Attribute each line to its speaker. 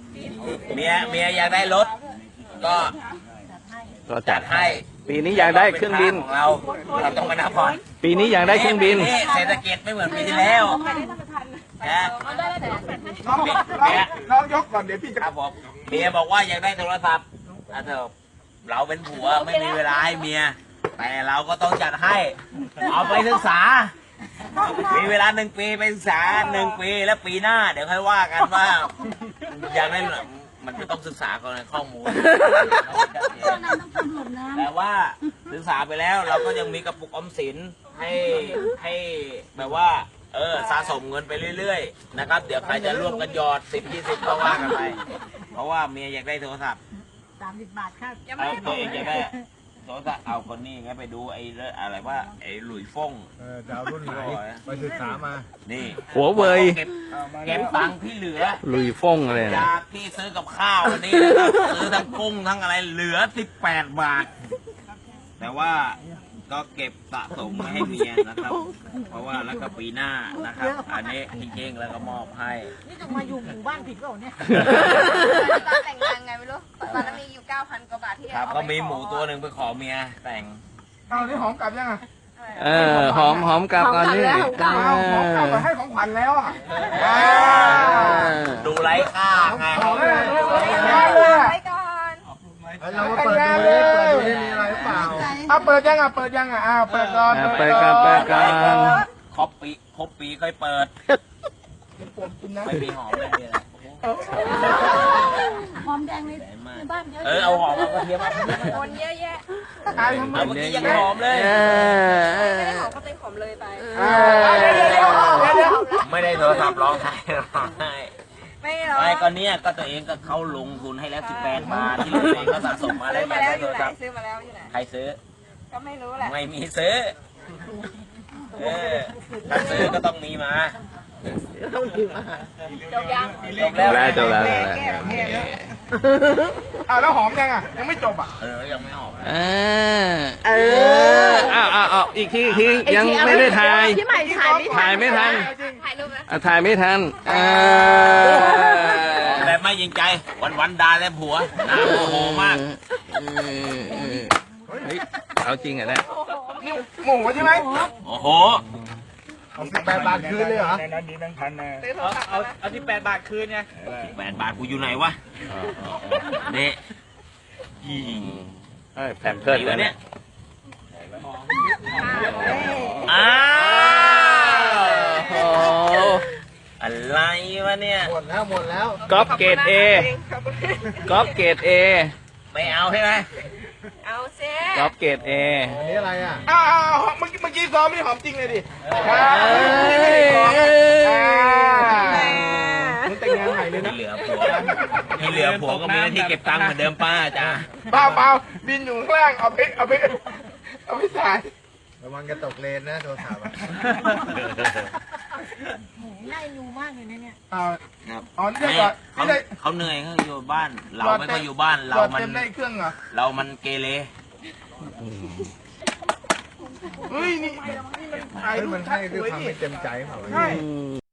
Speaker 1: เมียอยากได้รถก็จัดให้
Speaker 2: ปีนี้อยากได้เครื่องบิน
Speaker 1: ของเราต้องมานับผ่อน
Speaker 2: ปีนี้อยากได้เครื่องบิน
Speaker 1: เศรษฐกิจไม่เหมือนปีที่แล้วนะ
Speaker 3: น้องยกก่อนเดี๋ยวพี่จะ
Speaker 1: ครับผมเมียบอกว่าอยากได้โทรศัพท์เราเป็นผัวไม่มีเวลาให้เมียแต่เราก็ต้องจัดให้เอาไปศึกษามีเวลา1 ปีไปศึกษา1 ปีแล้วปีหน้าเดี๋ยวค่อยว่ากันว่าอยากได้มันจะต้องศึกษาก่อนในข้อมูลแต่ว่าศึกษาไปแล้วเราก็ยังมีกระปุกออมสินให้แบบว่าสะสมเงินไปเรื่อยๆนะครับเดี๋ยวใครจะร่วมกันหยอด10-20ก็ว่ากันไปเพราะว่าเมียอยากได้โทรศัพท์
Speaker 4: 30 บาทครับ
Speaker 1: ตัวเองอยากได้โทรศัพท์เอาคนนี้ไงไปดูไอ้อะไรว่าไอ้หลุยฟ่ง
Speaker 3: ดาวรุ่นไหนไปศึกษามา
Speaker 1: นี่
Speaker 2: หัวเว่ย
Speaker 1: เก็บตังค์ที่เหลือ
Speaker 2: ลุยฟ่งอะไร
Speaker 1: จากที่ซื้อกับข้าววันนี้นะครับซื้อทั้งกุ้งทั้งอะไรเหลือ18 บาทแต่ว่าก็เก็บสะสมมาให้เมียนะครับเพราะว่าแล้วก็ปีหน้านะครับอันนี้พี่เก้งแล้วก็มอบให้
Speaker 4: นี่จะมาอยู่หมู่บ้านผิดเปล่าเนี่ย
Speaker 5: ตอนแต่งงานไงไม่รู้ตอนนั้นมีอยู่ 9,000 กว่าบาทที่
Speaker 1: ครับก็มีหมูตัวหนึ่งไปขอเมียแต่ง
Speaker 3: เอานี่หอมกลับยังอ่ะ
Speaker 2: หอมกลับก่อนนี่
Speaker 3: หอมกลับมาให้ของขวัญแล้วอ่ะ
Speaker 1: ดูไร้ค่าไง
Speaker 5: ไปก่อน
Speaker 3: เราเปิดดูเลยมีอะไรเปล่าเปิดยังเปิดก่อน
Speaker 2: เปิดกัน
Speaker 1: ครบปีค่อยเปิดไม่มีหอมเลย
Speaker 4: หอมแดงในบ้านเยอะ
Speaker 1: เอาหอมเอากระเทียมมา
Speaker 5: คนเยอะแยะ
Speaker 1: เมื่อกี้ยังหอมเลย
Speaker 5: ไม่ได้หอมก็เป็นหอมเลยไป
Speaker 1: ไม่ได้โทรศัพท์ร้องไห้
Speaker 5: ไม่หรอ
Speaker 1: ไม่ก็เนี้ยก็ตัวเองก็เข้าลงทุนให้แล้ว18 บาทที่ตัวเองก็สะสมมาได้
Speaker 5: ซื้อมาแล้วอยู่ไหนซื้อมาแล้วอยู่ไหน
Speaker 1: ใครซื้อ
Speaker 5: ก็ไม่รู้แหละ
Speaker 1: ไม่มีซื้อถ้าซื้อก็ต้องมีมา
Speaker 5: จบยัง
Speaker 1: จบแล้ว
Speaker 3: แล้วหอมยังไม่จบ
Speaker 1: ยังไม่ออก
Speaker 2: อีกทียังไม่ได้ถ่าย
Speaker 5: พี่ใหม่
Speaker 2: ถ่ายไม่ทัน
Speaker 5: ถ่ายรูปนะ
Speaker 2: ถ่ายไม่ทัน
Speaker 1: แต่ไม่ยิงใจวันด่าแล้วผัวน่าโมโหมาก
Speaker 2: เอาจริงอ่ะเนี่ย
Speaker 3: นี่หมูใช่ไหม
Speaker 1: โอ้โห
Speaker 3: 18 บาทคืนเลยเหรอ
Speaker 1: ในนั้นมี1,000นะเอา18 บาทคืนไง8 บาทกูอยู่ไหนวะเนี่ย
Speaker 2: แผ่นเพิดเลยเนี่ย
Speaker 1: อะไรวะเนี่ย
Speaker 3: หมดแล้ว
Speaker 2: ก๊อปเกรด A ก๊อปเกรด A
Speaker 1: ไม่เอาใช่ไหม
Speaker 5: เอาเซ่
Speaker 2: ก๊อปเกรด A
Speaker 3: อันนี้อะไรเมื่อกี้ซ้อมไม่หอมจริงเลยดิมึงแต่งงานใหม่เลยนะ
Speaker 1: เหลือผัวก็มีหน้าที่เก็บตังค์เหมือนเดิมป้าจ้า
Speaker 3: เปล่าบินอยู่ข้างล่างเอาไปถ่ายระวังจะตกเลนนะโทรศัพท์
Speaker 4: ง่ายอยู่มากเลยเนี่ย
Speaker 1: เขาเหนื่อยเขาอยู่บ้านเราไม่ค่อยอยู่บ้านเรามันเกเร
Speaker 3: เฮ้ยนี่มันให้คือทำให้เต็มใจเปล่า